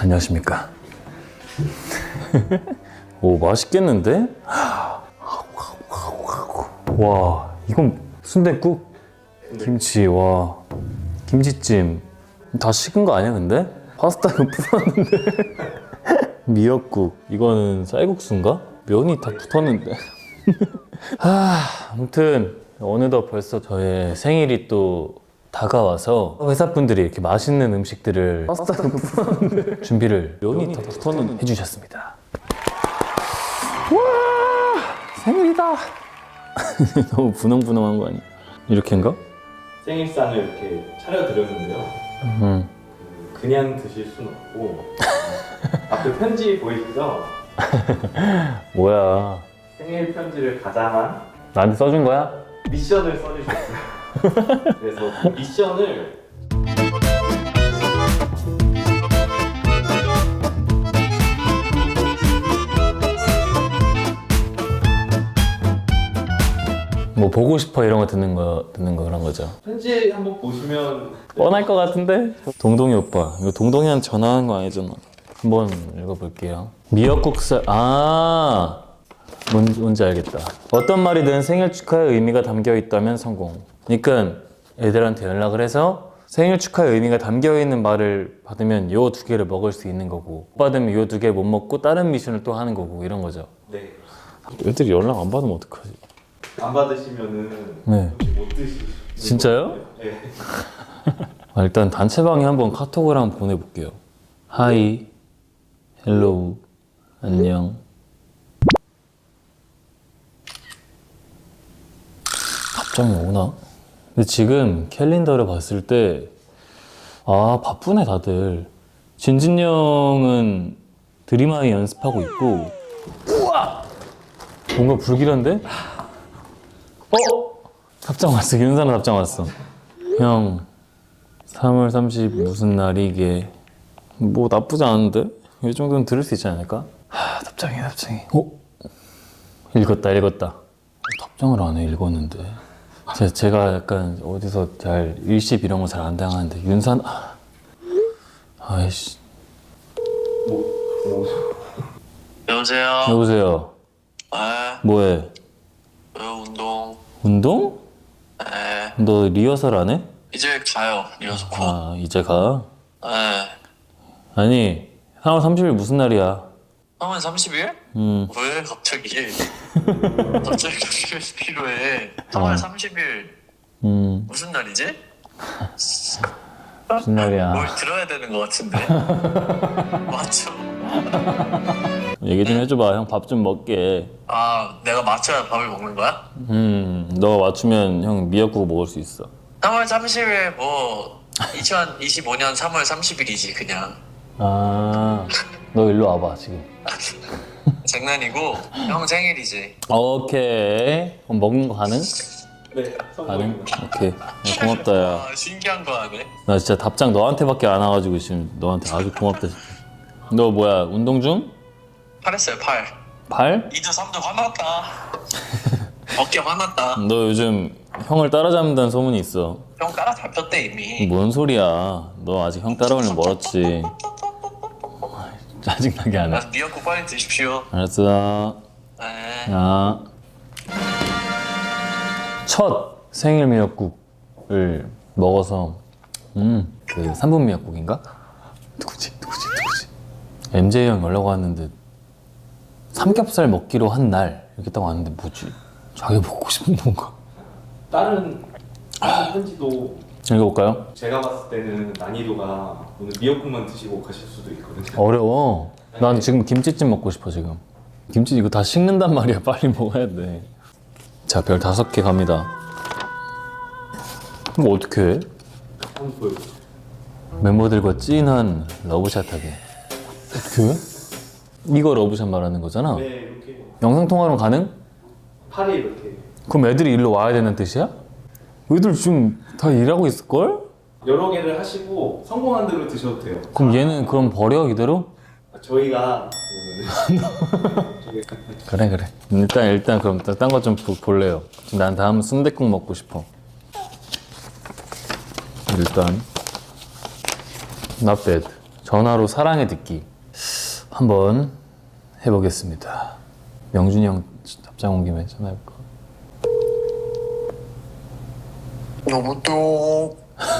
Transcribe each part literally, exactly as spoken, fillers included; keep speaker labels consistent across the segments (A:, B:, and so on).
A: 안녕하십니까. 오, 맛있겠는데? 와, 이건 순댓국? 김치, 와, 김치찜. 다 식은 거 아니야, 근데? 파스타는 풀었는데. 미역국, 이거는 쌀국수인가? 면이 다 붙었는데. 아, 아무튼 어느덧 벌써 저의 생일이 또 다가와서 회사분들이 이렇게 맛있는 음식들을 파스타는 풀었는데 준비를 면이 다 붙었는데 해주셨습니다. 와, 생일이다. 너무 분홍분홍한 거 아니야? 이렇게인가?
B: 생일상을 이렇게 차려드렸는데요.
A: 음.
B: 그, 그냥 드실 순 없고 앞에 편지 보이시죠?
A: 뭐야?
B: 생일 편지를 가장한
A: 나한테 써준 거야?
B: 미션을 써주셨어요. 그래서 그 미션을
A: 뭐 보고 싶어 이런 거 듣는 거 듣는 거 그런 거죠.
B: 편지 한번 보시면
A: 뻔할 것 같은데? 동동이 오빠, 이거 동동이한테 전화하는 거 아니잖아. 한번 읽어볼게요. 미역국살, 아, 뭔지, 뭔지 알겠다. 어떤 말이든 생일 축하의 의미가 담겨 있다면 성공. 그러니까 애들한테 연락을 해서 생일 축하의 의미가 담겨 있는 말을 받으면 요 두 개를 먹을 수 있는 거고, 못 받으면 요 두 개 못 먹고 다른 미션을 또 하는 거고 이런 거죠.
B: 네.
A: 애들이 연락 안 받으면 어떡하지?
B: 안 받으시면은
A: 네.
B: 혹시 못 드시는
A: 진짜요?
B: 거예요? 네.
A: 아, 일단 단체방에 한번 카톡을 한번 보내볼게요. 하이, 헬로우, 안녕. 답장이 오나? 근데 지금 캘린더를 봤을 때, 아, 바쁘네, 다들. 진진 형은 드림아이 연습하고 있고, 우와! 뭔가 불길한데? 어? 답장 왔어. 윤사람 답장 왔어. 형, 삼월 삼십 무슨 날이게? 뭐 나쁘지 않은데? 이 정도는 들을 수 있지 않을까? 하, 답장이 답장이. 어? 읽었다 읽었다. 답장을 안 해. 읽었는데. 제, 제가 약간 어디서 잘 일십 이런 거 잘 안 당하는데 윤산 아, 아이씨.
B: 뭐, 뭐.
C: 여보세요?
A: 여보세요.
C: 네,
A: 뭐해?
C: 왜 운동?
A: 운동?
C: 네,
A: 너 리허설 안 해?
C: 이제 가요. 리허설 곧.
A: 아, 이제 가?
C: 네.
A: 아니, 삼월 삼십 일 무슨 날이야?
C: 삼월 삼십 일?
A: 음.
C: 왜 갑자기? 갑자기 그렇게 필요해. 삼월
A: 어.
C: 삼십 일
A: 음,
C: 무슨 날이지?
A: 무슨 날이야?
C: 뭘 들어야 되는 것 같은데? 맞죠?
A: 얘기 좀 해줘봐. 형 밥 좀 먹게.
C: 아, 내가 맞춰야 밥을 먹는 거야?
A: 음, 너 맞추면 형 미역국 먹을 수 있어.
C: 삼월 삼십 일 뭐 이천이십오 년 삼월 삼십 일이지 그냥.
A: 아, 너 일로 와봐 지금.
C: 장난이고 형 생일이지.
A: 오케이. 그럼 먹는 거 가능?
B: 네,
A: 가능?
B: 성공입니다.
A: 오케이. 야, 고맙다 야.
C: 아, 신기한 거 하네.
A: 나 진짜 답장 너한테밖에 안 와가지고 지금 너한테 아주 고맙다. 너 뭐야 운동 중?
C: 팔했어요, 팔.
A: 발?
C: 이두 삼두 화났다. 어깨 화났다.
A: 너 요즘 형을 따라잡는다는 소문이 있어.
C: 형 따라 잡혔대 이미.
A: 뭔 소리야? 너 아직 형 따라오려면 멀었지. 짜증나게 안 해.
C: 아, 미역국 빨리 드십시오.
A: 알았어.
C: 네.
A: 야. 첫 생일 미역국을 먹어서 음, 그 삼 분 미역국인가? 누구지? 누구지? 누구지? 엠제이 형 연락 왔는데 삼겹살 먹기로 한 날 이렇게 딱 왔는데 뭐지? 자기 먹고 싶은 건가?
B: 다른 다른 편지도
A: 읽어볼까요?
B: 제가 봤을 때는 난이도가 오늘 미역국만 드시고 가실 수도 있거든요.
A: 어려워. 난 지금 김치찜 먹고 싶어 지금. 김치 이거 다 식는단 말이야. 빨리 먹어야 돼. 자, 별 다섯 개 갑니다. 이거 어떻게 해?
B: 한번 보여주세요.
A: 멤버들과 찐한 러브샷 하게. 어떻게 해? 이거 러브샷 말하는 거잖아?
B: 네, 이렇게
A: 영상통화로 가능?
B: 팔이 이렇게
A: 그럼 애들이 일로 와야 되는 뜻이야? 애들 지금 다 일하고 있을걸?
B: 여러 개를 하시고 성공한 대로 드셔도 돼요.
A: 그럼 얘는 그럼 버려 이대로?
B: 저희가
A: 그래 그래 일단 일단 그럼 딴 거 좀 볼래요. 지금 난 다음 순댓국 먹고 싶어. 일단 not bad. 전화로 사랑해 듣기 한번 해보겠습니다. 명준이 형 답장 온 김에 전화해볼까?
C: 여보세요.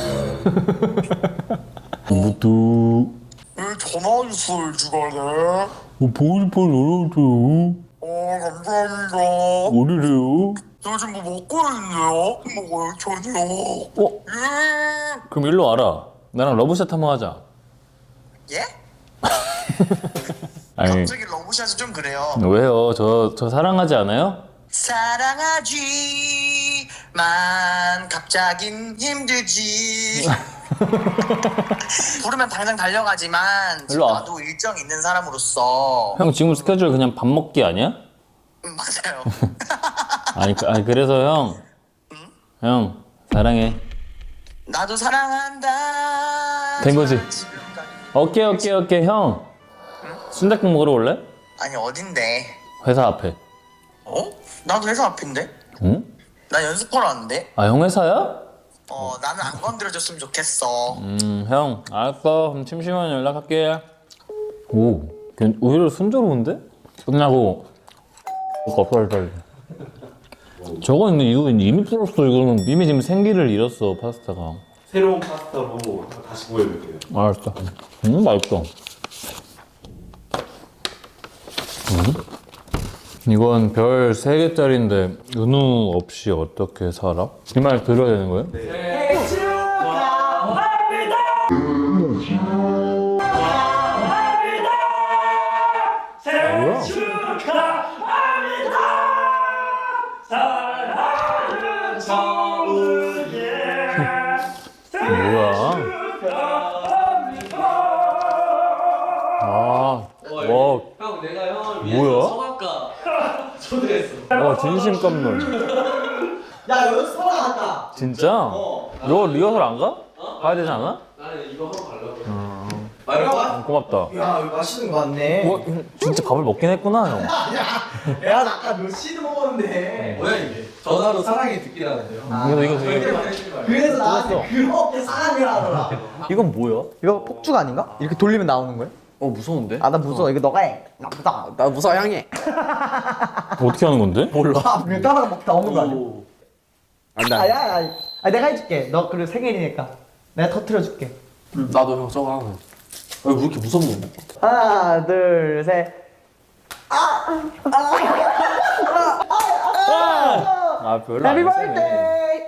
A: 뭐또
C: 왜 전화 주소를 주가래?
A: 보일볼 놀아줘요.
C: 어 감사합니다.
A: 뭐래요?
C: 요즘 뭐 먹고 있네요? 먹어요 저녁.
A: 어?
C: 예.
A: 그럼 일로 와라. 나랑 러브샷 한번 하자.
C: 예?
A: 아니
C: 갑자기 러브샷이 좀 그래요.
A: 왜요? 저, 저 사랑하지 않아요?
C: 사랑하지만 갑자긴 힘들지. 부르면 당장 달려가지만 지금
A: 일로 와.
C: 나도 일정 있는 사람으로서
A: 형 지금 스케줄 그냥 밥 먹기 아니야?
C: 음, 맞아요.
A: 아니, 그- 아니 그래서 형, 형 사랑해.
C: 나도 사랑한다.
A: 된 거지?
C: 지금까지.
A: 오케이 오케이 오케이 형. 순댓국 먹으러 올래?
C: 아니 어딘데?
A: 회사 앞에.
C: 어? 나도 회사 앞인데?
A: 응?
C: 나 연습하러 왔는데?
A: 아 형 회사야?
C: 어 나는 안 건드려줬으면 좋겠어.
A: 음, 형 알았어. 그럼 심심하면 연락할게. 오, 걔 오히려 순조로운데? 끝나고 겁살살. 저건 근데 이거 이미 풀었어. 이거는 이미 지금 생기를 잃었어 파스타가.
B: 새로운 파스타로 다시 보여드릴게요.
A: 알았어. 음, 맛있어. 음? 이건 별 세 개짜리인데 은우 없이 어떻게 살아? 이 말 들어야 되는 거예요? 뭐야? 아, 와,
D: 형 내가 형을
A: 뭐야?
D: 성악가 초대했어.
A: 와 진심 깜놀.
D: 야 연습 하러 갔다.
A: 진짜? 너 리허설 안 가? 가야 되지 않아?
D: 나는 이거 하러 가려고.
E: 말해봐.
A: 어, 고맙다.
E: 야, 이거 맛있는 거 같네.
A: 와, 진짜 밥을 먹긴 했구나 형.
E: 야, 나 아까 몇 시도 먹었는데.
D: 뭐야 이게? 전화로 사랑해 듣기라는데요.
A: 이거 이거 되게.
E: 그래서 나한테 그렇게 사랑을 하더라.
A: 이건 뭐야?
E: 이거 폭죽 아닌가? 이렇게 돌리면 나오는 거야?
D: 어 무서운데?
E: 아, 나 무서워. 이거 너가 해. 나 무서워.
D: 나 무서워 향해.
A: 어떻게 하는 건데?
D: 몰라.
E: 아, 그냥 따라가 막 나오는 거 아니야?
D: 오.
E: 아, 야, 야. 아, 내가 해줄게. 너 그리고 생일이니까. 내가 터트려줄게.
D: 나도 형 저거 하고. 왜 이렇게 무섭노?
E: 하나, 둘, 셋.
A: 아 별로
E: 해피
A: 안 세네.
E: 버스데이!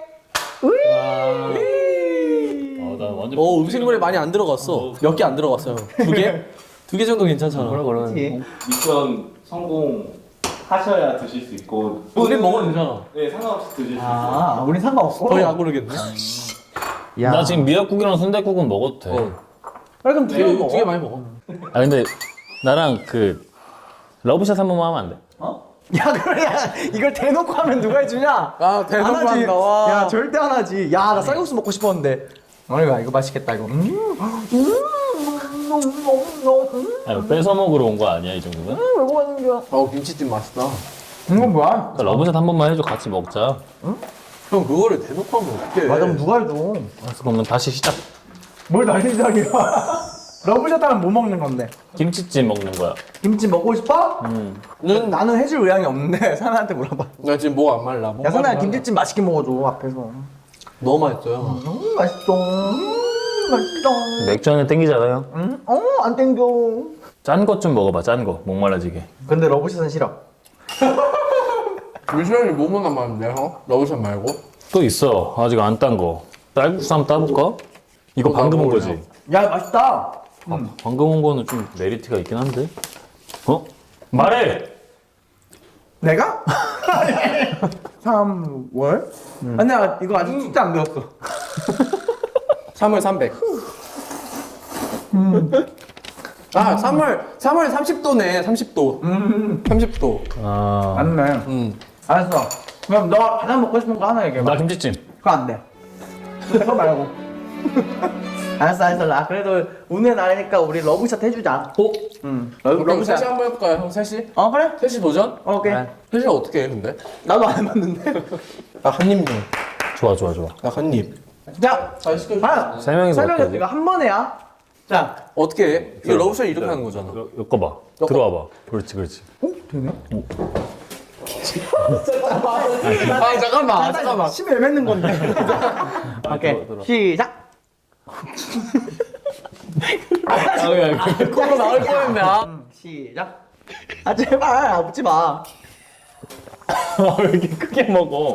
A: 어, 나 완전.
D: 어 음식물에 많이 안 들어갔어. 몇 개 안 들어갔어요. 두 개? 두 개 정도 괜찮잖아.
E: 그렇지.
B: 미션 성공하셔야 드실 수 있고
D: 우리 먹어도 되잖아.
B: 네 상관없이 드실 수 있어요.
E: 아, 우린 상관없어.
D: 거의 안 고르겠네.
E: 야.
A: 나 지금 미역국이랑 순댓국은 먹어도 돼.
D: 어.
E: 그래, 그럼 두개 먹어.
D: 두 개 많이 먹어.
A: 아 근데 나랑 그 러브샷 한 번만 하면 안 돼?
E: 어? 야, 그래, 야, 이걸 대놓고 하면 누가 해주냐?
D: 아 대놓고
E: 안 하지.
D: 한다. 와.
E: 야, 절대 안 하지. 야, 나 쌀국수 먹고 싶었는데. 어이가 이거 맛있겠다 이거. 음, 음, 음, 음,
A: 아 이거 뺏어 먹으러 온 거 아니야 이 정도면?
E: 왜 먹는 거야?
D: 어 김치찜 맛있다.
E: 이건 뭐야?
A: 그러니까 러브샷 한 번만 해줘 같이 먹자.
D: 형 그거를 대놓고 하면 어떡해.
E: 맞아, 그럼 누가 해도.
A: 알았어 그럼 다시 시작.
E: 뭘 날리자기야. 러브샷 하면 뭐 먹는 건데?
A: 김치찜 먹는 거야.
E: 김치 먹고 싶어?
A: 음.
E: 는 나는 해줄 의향이 없는데 사나한테 물어봐.
D: 나 지금 목 안 말라. 목
E: 야, 사나야
D: 말라.
E: 김치찜 맛있게 먹어줘 앞에서.
D: 너무 맛있어요.
E: 너무 맛있어. 음, 맛있어.
A: 맥주 한잔 땡기잖아요.
E: 응? 어, 안 땡겨.
A: 짠 것 좀 먹어봐 짠 거. 목말라지게.
E: 근데 러브샷은 싫어.
D: 미션이 뭐뭐 남았는데 형? 러브샷 말고?
A: 또 있어 아직 안 딴 거. 쌀국수 한번 따볼까? 이거
D: 어,
A: 방금 온
D: 나도
A: 거지?
E: 야, 맛있다.
A: 아, 방금 온 거는 좀 메리트가 있긴 한데. 어? 말해.
E: 내가? 삼월? 아니야, 이거 아직 진짜 안 배웠어.
D: 삼월 삼백. 아, 삼월 삼월 삼십 도네. 삼십 도.
E: 음,
D: 삼십 도.
A: 아.
E: 맞네.
D: 음.
E: 알았어. 그럼 너 가장 먹고 싶은 거 하나 얘기해봐.
A: 나 김치찜.
E: 그거 안 돼. 그거 말고. 알았어, 알았어. 나 그래도 운의 날이니까 우리 러브샷 해주자.
A: 어?
E: 응.
D: 그럼
E: 러브샷.
D: 셋이 한번 해볼까요, 형? 셋이?
E: 어, 그래?
D: 셋이 도전?
E: 어, 오케이.
A: 네.
D: 셋이 어떻게 해, 근데?
E: 나도 안 해봤는데.
D: 나 한 입 좀.
A: 좋아 좋아 좋아.
D: 나 한 입.
E: 자,
D: 잘 시켜줘.
E: 아,
A: 세 명이서
E: 설명해.
A: 어떻게 하지?
E: 이거 한 번에야. 자,
D: 어떻게 해? 이거 러브샷 이렇게 하는 거잖아.
A: 엮어봐. 들어와봐. 그렇지, 그렇지.
D: 아 잠깐만 잠깐만.
E: 심을 맺는 건데. 오케이, 시작.
D: 코로 나올 뻔했네. 아.
E: 음, 시작. 아 제발 아프지 마.
A: 왜 이렇게 크게 먹어?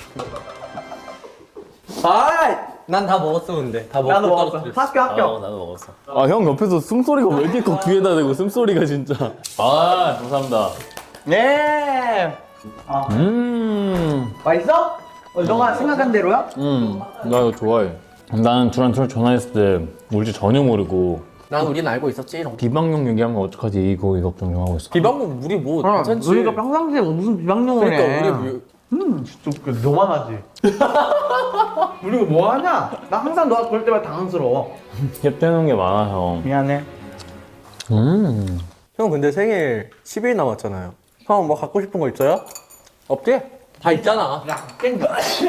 E: 아,
D: 난 다 먹었어 근데. 다 먹고
E: 나도 먹었어.
D: 떨어뜨렸어.
E: 학교 학교.
D: 어, 나도 먹었어.
A: 아, 형 옆에서 숨소리가 왜 이렇게 꼭 귀에다 대고 숨소리가 진짜. 아, 감사합니다.
E: 예.
A: 음,
E: 맛있어? 어, 너가 생각한 대로야?
A: 음, 나 이거 좋아해. 나는 둘한테 전화했을 때 울지 전혀 모르고
D: 난 우린 알고 있었지. 이런.
A: 비방용 얘기하면 어떡하지 이거 이거 걱정하고 있어.
D: 비방금 우리 뭐 괜찮지.
E: 우리가 평상시에 무슨 비방용을
D: 그러니까
E: 해.
D: 우리 뭐-
E: 음, 진짜 웃겨. 너만 하지. 우리가 뭐 하냐? 나 항상 너가 그럴 때마다 당황스러워.
A: 캡해놓은 게 많아 형.
E: 미안해.
A: 음,
D: 형 근데 생일 십 일 남았잖아요. 형 뭐 갖고 싶은 거 있어요? 없지? 다 있잖아.
E: 야, 깬다.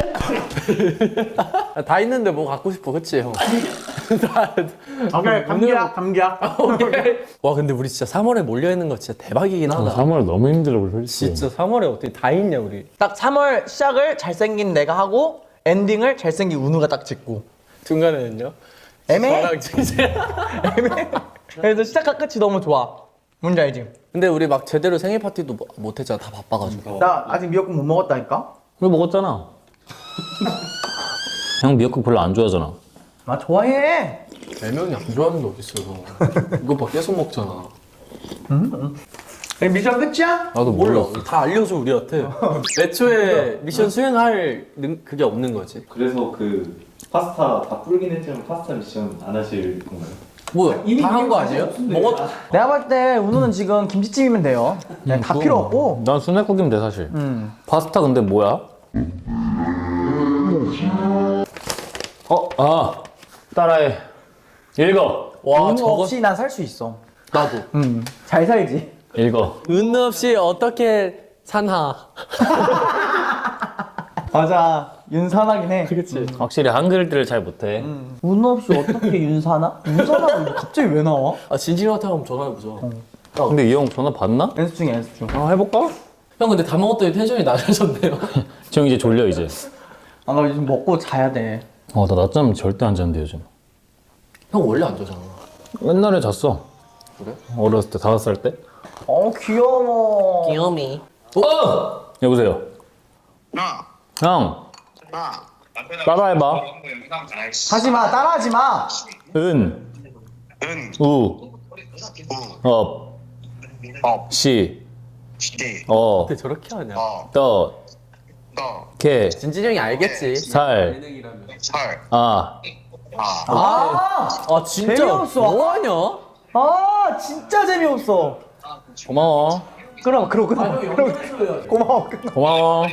D: 다 있는데 뭐 갖고 싶어, 그치 형? 다-
E: 오케이, 감기야, 감기야.
D: 오케이. 와 근데 우리 진짜 삼월에 몰려 있는 거 진짜 대박이긴 하다.
A: 삼월 너무 힘들어 솔직히.
D: 진짜 삼월에 어떻게 다 있냐 우리.
E: 딱 삼월 시작을 잘생긴 내가 하고 엔딩을 잘생긴 운우가 딱 짓고.
D: 중간에는요?
E: 애매해.
D: 저랑 진짜.
E: 애매해. 그래서 시작과 끝이 너무 좋아. 뭔지 알지?
D: 근데 우리 막 제대로 생일 파티도 뭐- 못 했잖아. 다 바빠가지고.
E: 나 아직 미역국 못 먹었다니까?
A: 왜 먹었잖아. 형 미역국 별로 안 좋아하잖아.
E: 나 좋아해.
D: 네 명이 안 좋아하는 게 어딨어. 이거 봐 계속 먹잖아.
E: 미션 끝이야?
A: 나도
D: 몰라.
A: 몰랐어.
D: 다 알려줘 우리한테. 애초에 미션 수행할 능- 그게 없는 거지.
B: 그래서 그 파스타 다 불긴 했지만 파스타 미션 안 하실 건가요?
D: 뭐 다 한 거 아니에요? 먹었.
E: 내가 봤을 때 운우는 지금 김치찜이면 돼요. 그냥 다 필요 없고.
A: 난 순댓국이면 돼 사실.
E: 음.
A: 파스타 근데 뭐야? 어, 아, 따라해. 읽어.
D: 와
E: 운우
D: 저거
E: 없이 난 살 수 있어.
D: 나도.
E: 음. 잘 살지.
A: 읽어.
D: 은 없이 어떻게 산하.
E: 맞아. 윤산하긴 해.
D: 그치.
A: 확실히 한글들을 잘 못해.
E: 운우 없이 어떻게 윤사나? 윤사나 갑자기 왜 나와?
D: 아 진진이한테 한번 전화해보자.
A: 근데 이 형 전화 받나?
E: 연습 중이야, 연습 중.
A: 아, 해볼까?
D: 형 근데 다 먹었더니 텐션이 낮아졌네요.
A: 형 이제 졸려 이제.
E: 아, 나 요즘 먹고 자야 돼.
A: 어, 나 낮잠 절대 안 자는데 요즘.
D: 형 원래 안 자잖아.
A: 옛날에 잤어.
D: 그래?
A: 어렸을 때 다섯 살 때.
E: 어, 귀여워.
D: 귀요미.
A: 어! 여보세요.
C: 나,
A: 형,
C: 나.
A: 따라해봐.
E: 하지 마, 따라하지 마.
A: 은,
C: 은,
A: 우,
C: 우,
A: 업,
C: 업,
A: 시,
C: 시,
A: 어,
D: 어떻게 저렇게 하냐?
C: 어,
A: 떠,
C: 너,
A: 개,
D: 진진이 형이 알겠지.
A: 살,
C: 설,
A: 아.
C: 아,
E: 아,
D: 아 진짜
E: 재미없어.
D: 뭐하냐?
E: 아, 진짜 재미없어.
A: 고마워.
E: 끊어, 끊어, 끊어. 끊어. 고마워, 끊어.
A: 고마워.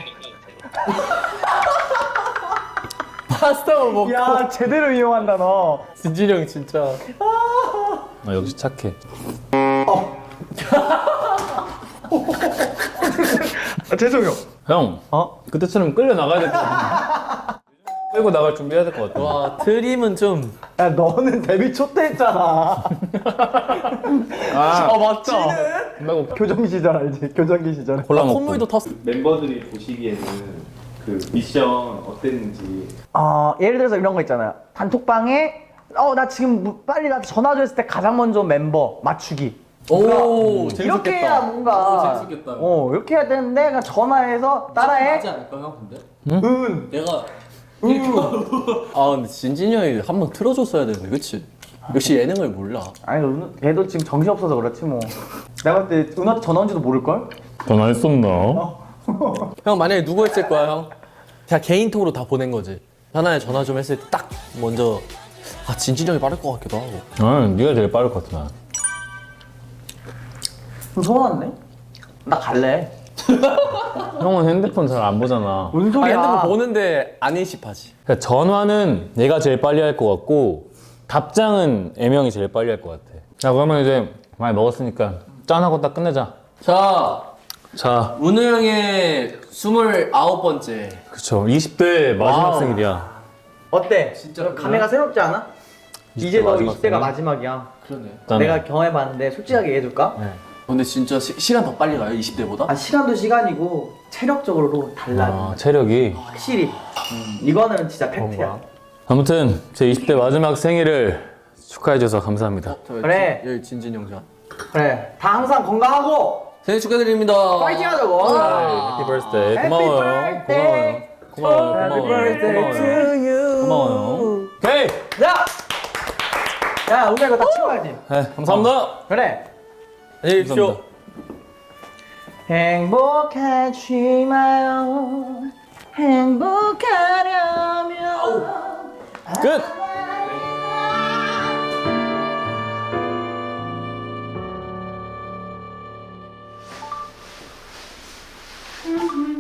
D: 파스타만 먹고.
E: 야, 제대로 이용한다, 너.
D: 진진이 형 진짜.
A: 아, 역시 착해.
E: 아, 죄송해요.
A: 형,
E: 어?
A: 그때처럼 끌려 나가야 될 것 같아. 끌고 나갈 준비해야 될 것 같아.
D: 와 트림은 좀.
E: 야, 너는 데뷔 초 때 했잖아.
A: 아,
D: 아 맞죠?
A: 말고
E: 교정기 시절 알지? 교정기 시절에.
A: 콜라 먹고.
D: 콧물도 텄어.
B: 멤버들이 보시기에는 그 미션 어땠는지
E: 어, 예를 들어서 이런 거 있잖아요. 단톡방에 어, 나 지금 뭐- 빨리 나 전화 줬을 때 가장 먼저 멤버 맞추기.
D: 오 재밌겠다.
E: 이렇게 해야 뭔가
D: 오, 재밌겠다.
E: 어, 이렇게 해야 되는데 그냥 전화해서 따라해.
D: 하지 않을까 형 근데?
E: 은.
D: 내가. 아 근데 진진이 형이 한번 틀어줬어야 되는데 그치? 역시 예능을 몰라.
E: 아니, 은, 걔도 지금 정신 없어서 그렇지 뭐. 내가 봤을 때 은한테 전화 온지도 모를 걸?
A: 전화했었나?
D: 형 만약에 누구 했을 거야 형? 그냥 개인톡으로 다 보낸 거지. 하나에 전화 좀 했을 때 딱 먼저 아 진진이 형이 빠를 것 같기도 하고.
A: 아, 네가 제일 빠를 것 같아 나.
E: 좀 서운한데? 나 갈래.
A: 형은 핸드폰 잘 안 보잖아.
E: 뭔
D: 아
E: 소리야?
D: 핸드폰 보는데 안 인식하지.
A: 그러니까 전화는 얘가 제일 빨리 할 것 같고 답장은 애명이 제일 빨리 할 것 같아. 자, 그러면 이제 많이 먹었으니까 짠하고 딱 끝내자.
D: 자
A: 자,
D: 문우 형의 스물아홉 번째.
A: 그쵸. 이십 대 마지막
D: 와우.
A: 생일이야.
E: 어때?
D: 진짜
E: 감회가 새롭지 않아? 이제 너
A: 마지막
E: 이십 대가
A: 생일?
E: 마지막이야.
D: 그러네.
A: 일단은
E: 내가 경험해봤는데 솔직하게 얘기해줄까?
D: 네. 근데 진짜 시, 시간 더 빨리 가요? 이십 대보다?
E: 아 시간도 시간이고 체력적으로도 달라.
A: 아, 체력이.
E: 확실히. 이거는 진짜 팩트야.
D: 그런가?
A: 아무튼 제 이십 대 마지막 생일을 축하해줘서 감사합니다.
D: 저 여기
E: 그래.
D: 진- 여기 진진영 자.
E: 그래. 다 항상 건강하고
D: 생일 축하드립니다.
E: 파이팅 하자고.
A: 해피 버스데이.
E: Happy
A: 고마워요.
E: birthday.
A: 고마워요. 고마워요.
E: Happy
A: 고마워요.
E: birthday to you.
A: 고마워요. 오케이.
E: 야! 야, 우리가 이거 다 치워야지.
A: 네, 감사합니다.
E: 그래.
D: 안녕히 계십시오.
A: 감사합니다.
E: 행복하지 마요. 행복하려면.
A: 끝.
E: 음.